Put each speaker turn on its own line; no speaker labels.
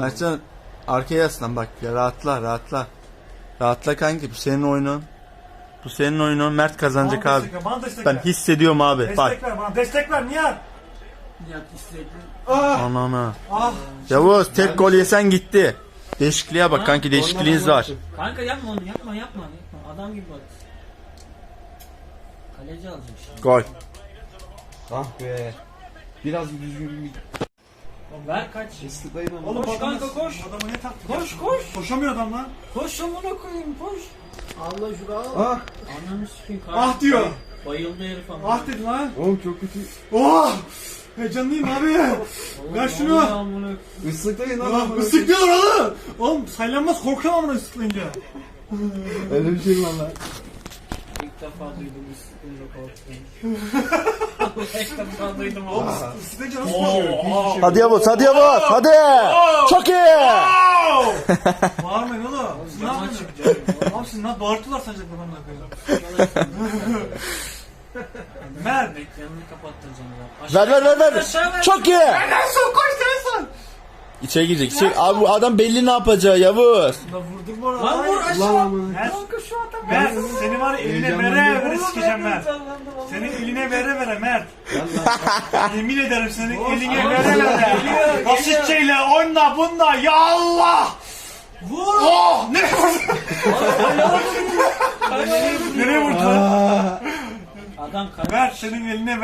Mertcan arkaya yaslan bak ya, rahatla. Rahatla kanki, bu senin oyunun. Bu senin oyunun, Mert kazanacak
Bana
abi.
destek ver, bana destek
Ben
ver.
hissediyorum abi. Bak.
Destek ver bana, destek ver Nihat.
Nihat istekli.
Anana.
Ah.
Yavuz tek gol yesen gitti. Değişikliğe bak kanki, değişikliğiniz var.
Kanka yapma onu, yapma. Adam gibi bak. Kaleci alacak şimdi.
Gol.
Ah be. Biraz düzgün bir
Ver kaç.
ıslıklayın ama.
Oğlum
Koş
adamı-
kanka, koş.
Adamı ne taktın?
Koş koş.
Koşamıyor adam lan.
Koş amına koyayım koş.
Allah şunu al.
Ah.
Ananı sikeyim
Ah diyor.
Bayıldı herif ama.
Ah dedi lan.
Oğlum çok kötü.
Oh! Heyecanlıyım abi. Ver şunu.
Islıklayın lan.
Ah, ıslıklıyor oğlum. Oğlum saylanmaz, korkuyorum amına ıslıklayınca.
Öyle bir şey mi valla?
İlk defa duydum ıslıklayınca korktum. İlk defa duydum oğlum.
Islıklayınca nasıl korkuyor?
Hadi Yavuz, hadi. Çok iyi.
Bağırmayın oğlum. Siz ne
Zaman
yapıyorsunuz?
çıkacak.
Abi siz ne bağırtılar sanacak adamlar koyuyor. Mert.
Ekranını kapattıracağım ya.
Ver.
Aşağı ver.
Çok iyi.
Nelson koş Nelson.
İçeri girecek. Abi bu adam belli ne yapacağı Yavuz.
La vurduk bu arada.
Lan vur
Lan
aşağı.
amına.
Kanka şu adam.
Mert seni var ya eline
Heyecanlandım.
vere vere sikeceğim Mert. Seni eline vere Mert. Yemin ederim seni eline vere. Basitçeyle oyna bunda ya Allah.
Vur.
Oh ne vurdun? Nereye vurdun?
Adam
Mert senin eline